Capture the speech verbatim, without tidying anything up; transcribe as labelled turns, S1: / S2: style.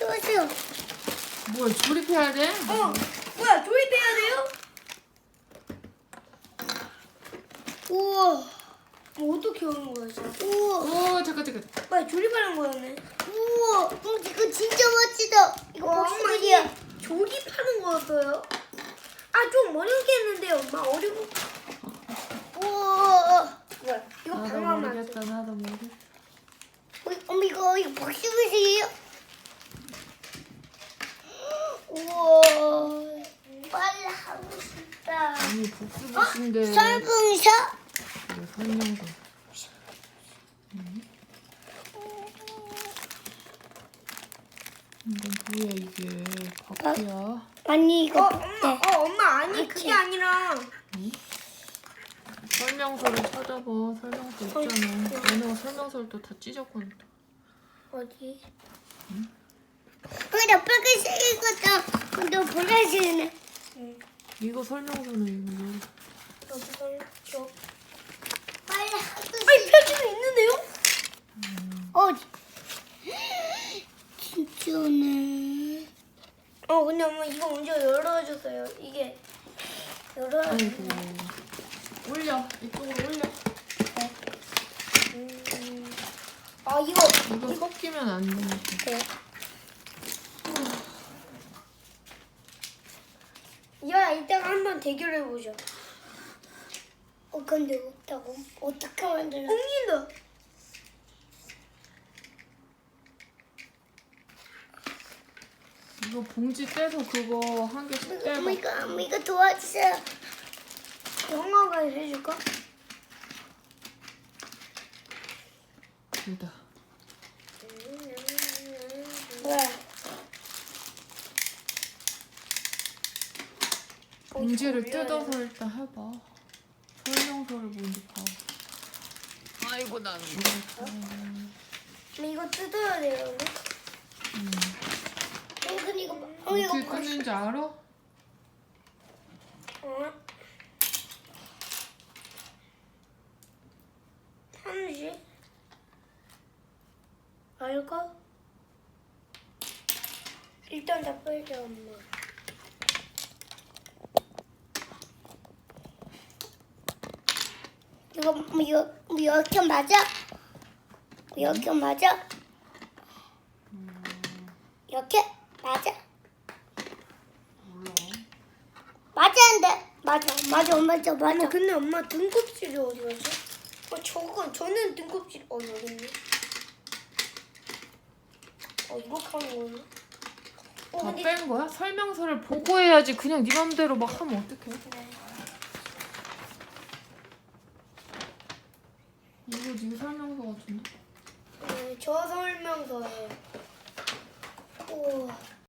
S1: 쏘세요.
S2: 뭐야, 조립해야 돼?
S3: 어, 뭐야, 조립해야 돼요?
S1: 우와.
S3: 뭐 어떻게 하는 거야, 진짜?
S1: 우와.
S2: 오, 잠깐, 잠깐.
S3: 뭐야, 조립하는 거였네.
S1: 우와. 음, 이거 진짜 멋지다. 이거
S3: 와, 엄마
S1: 복수들이야.
S3: 이게 조립하는 거였어요? 아, 좀 어렵게 했는데, 엄마 어려워.
S1: 우와.
S3: 뭐야, 이거
S2: 나도
S3: 방어하면 안 돼.
S2: 모르겠다, 나도 모르겠다.
S1: 어, 엄마 이거 이거 복수들이에요? 우와. 빨리 하고 싶다.
S2: 아니, 복수복수인데.
S1: 설국사?
S2: 이거 설명서. 이건 뭐야, 이게. 바퀴야.
S1: 아니 이거
S3: 어,
S1: 네.
S3: 엄마, 어, 엄마, 아니, 그게 아니라.
S2: 설명서를 찾아봐. 설명서 있잖아. 얘네가 설명서를 또 다 찢었거든.
S3: 어디?
S1: 그래 빨간색이거든. 너 보라색이네.
S3: 응.
S2: 이거 설명서는 이거.
S3: 여기 설, 저.
S1: 빨리 하고 싶다.
S3: 아니, 표지는 있는데요?
S1: 어디? 진짜네.
S3: 어, 근데 엄마 이거 먼저 열어주세요. 이게 열어야 돼.
S2: 아이고. 올려. 이쪽으로 올려.
S3: 음. 아, 이거.
S2: 이거 섞이면 안 되니까.
S3: 네. 야, 이따가 한번 대결해보자.
S1: 어 근데 없다고? 어떻게 만들어?
S3: 옮긴다.
S2: 이거 봉지 떼서 그거 한 개씩 떼봐.
S1: 엄마 이거 엄마 이거 도와주세요.
S3: 영화가 해줄까?
S2: 여기다.
S1: 뭐야?
S2: 봉지를 뜯어서 일단 해봐. 설명서를 먼저 봐. 아이고 나는 모르겠다.
S3: 근데 이거 뜯어야 돼요. 근데?
S2: 음.
S1: 어 근데 이거 어 이거
S2: 어떻게 뜯는지 알아?
S3: 어? 삼십? 알까? 일단 다 빼자, 엄마.
S1: 이거 뭐 이거 뭐 이렇게 맞아? 이렇게 맞아? 이렇게 맞아?
S2: 몰라.
S1: 맞았는데 맞아 맞아 맞아
S3: 엄마,
S1: 맞아.
S3: 근데 엄마 등껍질이 어디 갔어? 어, 저거, 저는 등껍질, 어, 여기 있네. 어, 이렇게 하는 거네. 어,
S2: 다
S3: 근데
S2: 뺀 거야? 설명서를 보고 해야지. 그냥 네 맘대로 막 하면 어떡해? 이거 네 설명서 같은데?
S3: 네, 저 설명서에.
S1: 우와.